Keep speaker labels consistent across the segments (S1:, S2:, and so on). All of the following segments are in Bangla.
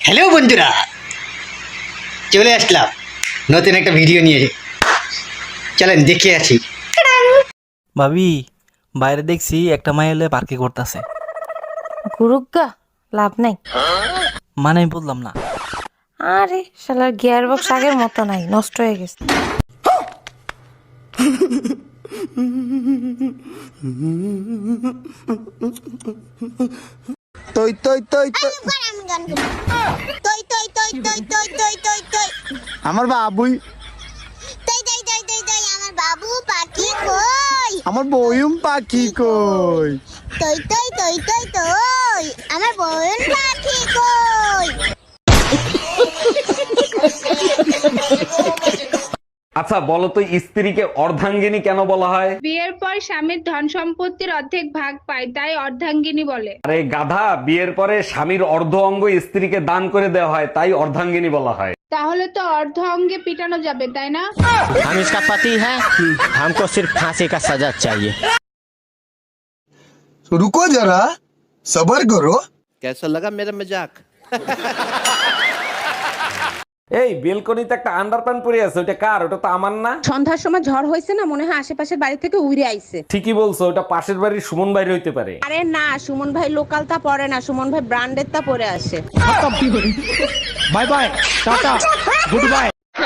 S1: হ্যালো বন্ধুরা, চলে আসলাম নতুন একটা ভিডিও নিয়ে। চলেন দেখে আছি।
S2: ভাবি, বাইরে দেখছি একটা মাই এলে পার্কে করতেছে।
S3: গুরুগা লাভ নাই।
S2: মানে আমি বললাম না।
S3: আরে শালার গিয়ার বক্স আগের মতো নাই, নষ্ট হয়ে গেছে।
S4: তই তই তই আমার বাবুই
S5: আমার বাবু পাখি কই,
S4: আমার বয়ুম পাখি কই
S5: তই তই তই তই তই আমার বোন পাখি কই।
S6: আচ্ছা বলো তো, স্ত্রীকে অর্ধাঙ্গিনী কেন বলা হয়?
S7: বিয়ের পর স্বামীর ধন সম্পত্তির অর্ধেক ভাগ পায়, তাই অর্ধাঙ্গিনী বলে।
S6: আরে গাধা, বিয়ের পরে স্বামীর অর্ধ অঙ্গ স্ত্রীকে দান করে দেওয়া হয়, তাই অর্ধাঙ্গিনী বলা হয়।
S7: তাহলে তো অর্ধ অঙ্গে পিটানো যাবে, তাই না?
S8: हम इसका पति है, हमको सिर्फ फांसी का सजा चाहिए।
S4: रुको जरा सबर करो।
S8: कैसा लगा मेरा मजाक?
S6: এই বেলকনিতে একটা আন্ডারপ্যান্ট পরে আছে, ওটা কার? ওটা তো আমার না।
S9: সন্ধ্যার সময় ঝড় হয়েছে না, মনে হয় আশেপাশের বাড়ি থেকে উড়ে আইছে।
S6: ঠিকই বলছো, ওটা পাশের বাড়ির সুমন বাইরে হইতে পারে।
S9: আরে না, সুমন ভাই লোকাল তা পরে না, সুমন ভাই ব্র্যান্ডের তা পরে আসে।
S8: Bye bye, tata, good bye.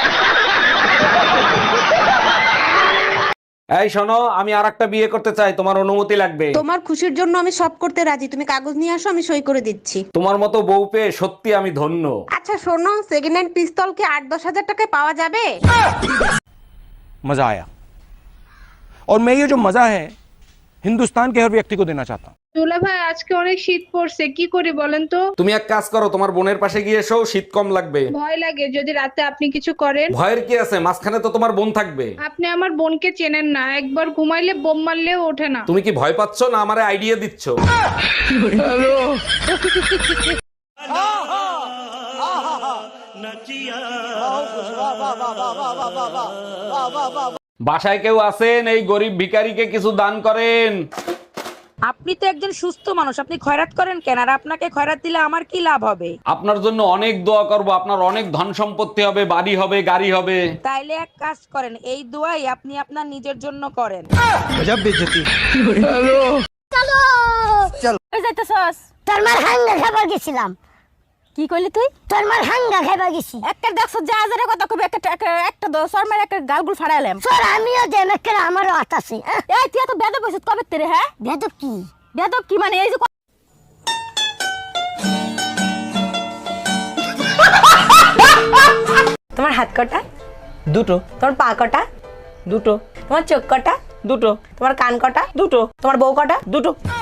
S6: এই শোনো, আমি আরেকটা বিয়ে করতে চাই, তোমার অনুমতি লাগবে।
S9: তোমার খুশির জন্য আমি সব করতে রাজি, তুমি কাগজ নিয়ে আসো, আমি সই করে দিচ্ছি।
S6: তোমার মতো বউ পেয়ে সত্যি আমি ধন্য।
S9: আচ্ছা শোনো, সেকেন্ড হ্যান্ড পিস্তল কি 8-10 হাজার টাকায় পাওয়া যাবে?
S8: मजा आया, और मैं ये जो मजा है हिंदुस्तान के हर व्यक्ति को देना चाहता हूँ।
S7: দুলা ভাই, আজকে অনেক শীত পড়ছে, কি করি বলেন তো?
S6: তুমি এক কাজ করো, তোমার বোনের পাশে গিয়ে এসো, শীত কম লাগবে।
S7: ভয় লাগে যদি রাতে আপনি কিছু করেন।
S6: ভয়ের কি আছে, মাঝখানে তো তোমার বোন থাকবে।
S7: আপনি আমার বোনকে চেনেন না, একবার ঘুমাইলে বোম মারলেও ওঠে না।
S6: তুমি কি ভয় পাচ্ছ না আমারে আইডিয়া দিচ্ছ? বাসায় কেউ আছেন? এই গরিব ভিখারিকে কিছু দান করেন।
S9: আপনি তো একজন সুস্থ মানুষ, আপনি খয়রাত করেন কেন? আর আপনাকে খয়রাত দিলে আমার কি লাভ হবে?
S6: আপনার জন্য অনেক দোয়া করব, আপনার অনেক ধন সম্পত্তি হবে, বাড়ি হবে, গাড়ি হবে।
S9: তাইলে এক কাজ করেন, এই দোয়াই আপনি আপনার নিজের জন্য করেন।
S5: তোর মার হাঙ্গা খাবার গেছিলাম।
S9: কি কইলি তুই?
S5: তোর মার হাঙ্গা খাবার গেছি।
S9: একটা দেখছ যা হাজারে কথা কবে, একটা দশর মার একটা গালগুল ফাড়াইলাম।
S5: তোর আমিও দেন একটা আমারও হাত আছে।
S9: এই তুই তো বেদব হইছিস কবে তেরে? হ্যাঁ
S5: বেদব কি?
S9: বেদব কি মানে? এই যে তোমার হাত কটা?
S2: দুটো।
S9: তোমার পা কটা?
S2: দুটো।
S9: তোমার চোখ কটা?
S2: দুটো।
S9: তোমার কান কটা?
S2: দুটো।
S9: তোমার বউ কটা?
S2: দুটো।